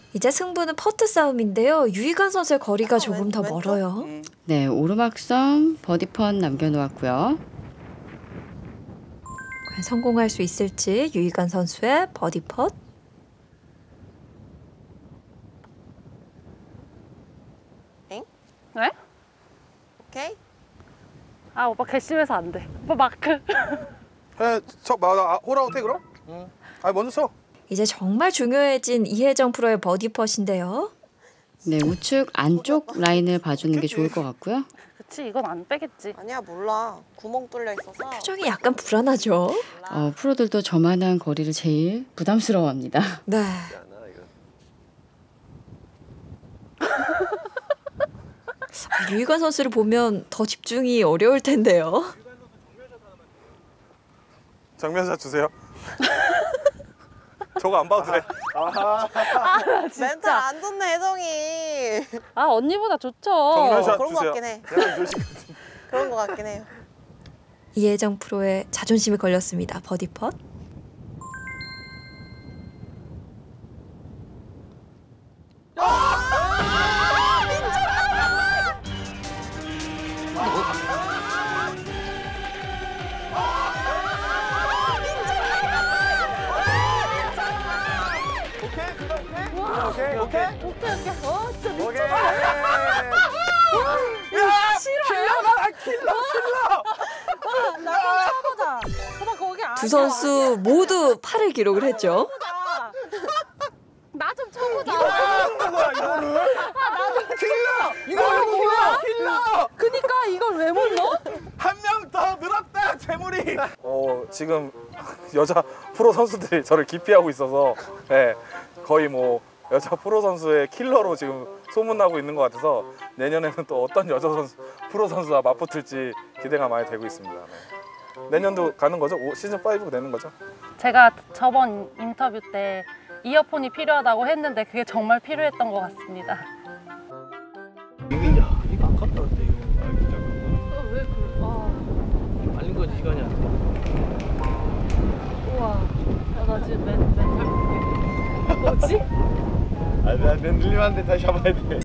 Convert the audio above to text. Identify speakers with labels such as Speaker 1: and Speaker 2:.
Speaker 1: 이제 승부는 퍼트 싸움인데요. 유희관 선수의 거리가 조금 더 멀어요.
Speaker 2: 네, 오르막성 버디펀 남겨놓았고요.
Speaker 1: 과연 성공할 수 있을지 유희관 선수의 버디 펫.
Speaker 3: 엥?
Speaker 4: 왜?
Speaker 3: 오케이.
Speaker 4: 아 오빠 괘씸해서 안 돼. 오빠 마크.
Speaker 5: 해, 홀아웃 해 그럼? 응. 아 먼저 쳐.
Speaker 1: 이제 정말 중요해진 이혜정 프로의 버디 펫인데요.
Speaker 2: 네, 우측 안쪽 라인을 봐주는 게 좋을 것 같고요.
Speaker 4: 그치 이건 안 빼겠지.
Speaker 3: 아니야 몰라. 구멍 뚫려 있어서.
Speaker 1: 표정이 약간 불안하죠.
Speaker 2: 프로들도 저만한 거리를 제일 부담스러워합니다.
Speaker 1: 네. 유희관 선수를 보면 더 집중이 어려울 텐데요.
Speaker 5: 정면샷 주세요. 저거 안 봐도 돼.
Speaker 3: 멘탈 안 좋네 혜정이.
Speaker 4: 아 언니보다 좋죠.
Speaker 5: 정면샷
Speaker 3: 그런 거
Speaker 5: 주세요.
Speaker 3: 같긴 해. 그런 거 같긴 해요.
Speaker 1: 이혜정 프로의 자존심이 걸렸습니다. 버디 펫.
Speaker 5: 오케이.
Speaker 4: 진짜
Speaker 5: 오케이. 야, 킬러다, 킬러.
Speaker 4: 나좀 쳐보자. 오빠 거기 아니야.
Speaker 1: 두 선수 모두 8을 기록을 했죠.
Speaker 4: 나 좀 쳐보자.
Speaker 5: 하는 거야 이거를. 킬러. 이거를 뭐야? 킬러.
Speaker 4: 그니까 이걸 왜 못 넣어?
Speaker 5: 한 명 더 늘었다 재물이. 지금 여자 프로 선수들이 저를 기피하고 있어서 거의 뭐 여자 프로 선수의 킬러로 지금 소문나고 있는 것 같아서 내년에는 또 어떤 여자 선수 프로 선수와 맞붙을지 기대가 많이 되고 있습니다. 네. 내년도 가는 거죠? 시즌 5가 되는 거죠?
Speaker 4: 제가 저번 인터뷰 때 이어폰이 필요하다고 했는데 그게 정말 필요했던 것 같습니다.
Speaker 6: 이거 아깝다는데 이거.
Speaker 4: 왜 그래?
Speaker 6: 말린 거지 시간이 안 돼.
Speaker 4: 우와. 나 지금 멘탈 뭐지?
Speaker 6: 아, 내가 늘리면 안 돼. 다시 잡아야 돼.